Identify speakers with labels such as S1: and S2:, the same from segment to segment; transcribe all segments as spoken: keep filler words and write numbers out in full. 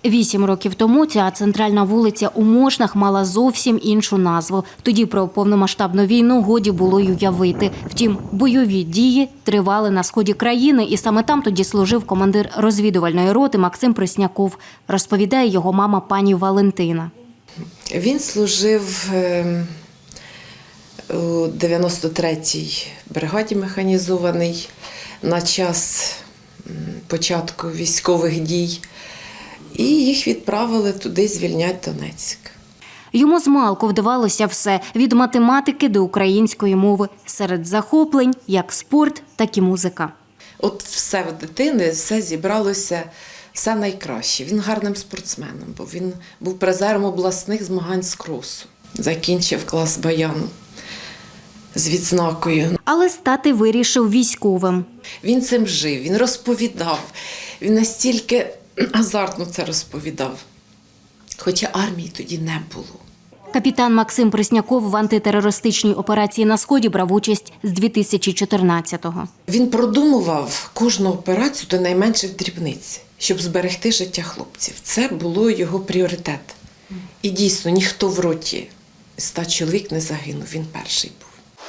S1: Вісім років тому ця центральна вулиця у Мошнах мала зовсім іншу назву. Тоді про повномасштабну війну годі було й уявити. Втім, бойові дії тривали на сході країни, і саме там тоді служив командир розвідувальної роти Максим Пресняков, розповідає його мама пані Валентина.
S2: Він служив у дев'яносто третій бригаді механізованій на час початку військових дій. І їх відправили туди звільняти Донецьк.
S1: Йому змалку вдавалося все – від математики до української мови. Серед захоплень – як спорт, так і музика.
S2: От все в дитини, все зібралося, все найкраще. Він гарним спортсменом був. Він був призером обласних змагань з кросу. Закінчив клас баяну з відзнакою.
S1: Але стати вирішив військовим.
S2: Він цим жив, він розповідав. Він настільки азартно це розповідав. Хоча армії тоді не було.
S1: Капітан Максим Пресняков в антитерористичній операції на Сході брав участь з дві тисячі чотирнадцятого.
S2: Він продумував кожну операцію до найменших дрібниць, щоб зберегти життя хлопців. Це було його пріоритет. І дійсно, ніхто в роті ста чоловік не загинув, він перший був.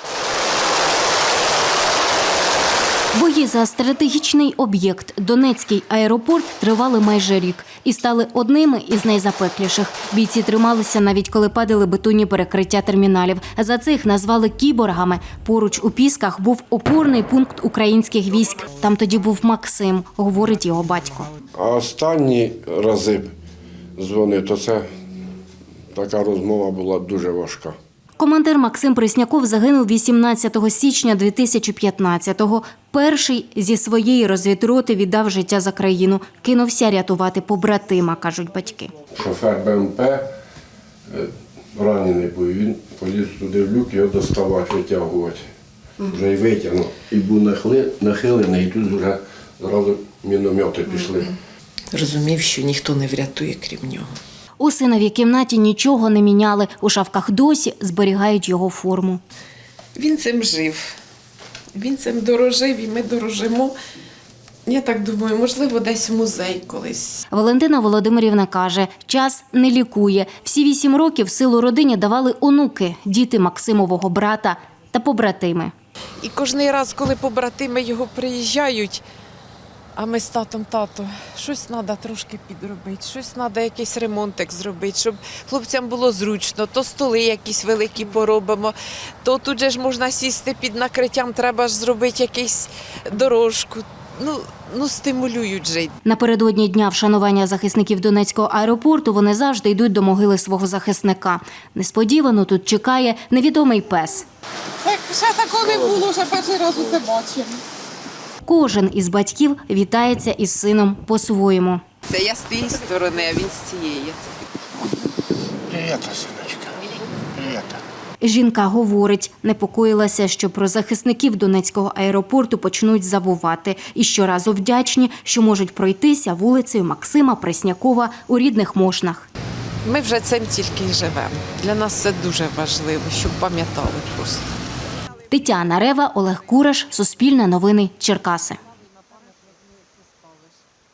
S1: Бої за стратегічний об'єкт Донецький аеропорт тривали майже рік і стали одними із найзапекліших. Бійці трималися навіть коли падали бетонні перекриття терміналів. За це їх назвали кіборгами. Поруч у Пісках був опорний пункт українських військ. Там тоді був Максим, говорить його батько.
S3: А останні рази дзвонив, то це така розмова була дуже важка.
S1: Командир Максим Пресняков загинув вісімнадцятого січня дві тисячі п'ятнадцятого. Перший зі своєї розвідроти віддав життя за країну. Кинувся рятувати побратима, кажуть батьки.
S3: Шофер БМП е, ранений був, він поліз туди в люк, його доставати, витягувати. Вже й витягнув. І був нахили- нахилений, і тут вже зразу міномети пішли.
S2: Розумів, що ніхто не врятує, крім нього.
S1: У синовій кімнаті нічого не міняли. У шафках досі зберігають його форму.
S2: Він цим жив. Він цим дорожив, і ми дорожимо. Я так думаю, можливо, десь в музей колись.
S1: Валентина Володимирівна каже, час не лікує. Всі вісім років силу родині давали онуки, діти Максимового брата та побратими.
S2: І кожен раз, коли побратими його приїжджають, а ми з татом, тато, щось треба трошки підробити, щось треба якийсь ремонтик зробити, щоб хлопцям було зручно, то столи якісь великі поробимо, то тут же ж можна сісти під накриттям, треба ж зробити якусь дорожку. Ну, ну стимулюють жити.
S1: Напередодні дня вшанування захисників Донецького аеропорту вони завжди йдуть до могили свого захисника. Несподівано тут чекає невідомий пес.
S4: Це ще такого не було, вже перший раз усе бачимо.
S1: Кожен із батьків вітається із сином по-своєму.
S2: Це я з тієї сторони, а він з цієї.
S3: Привіт, синочка. Привіт.
S1: Жінка говорить, непокоїлася, що про захисників Донецького аеропорту почнуть забувати. І щоразу вдячні, що можуть пройтися вулицею Максима Преснякова у рідних Мошнах.
S2: Ми вже цим тільки й живемо. Для нас це дуже важливо, щоб пам'ятали просто.
S1: Тетяна Рева, Олег Кураш, Суспільне новини, Черкаси.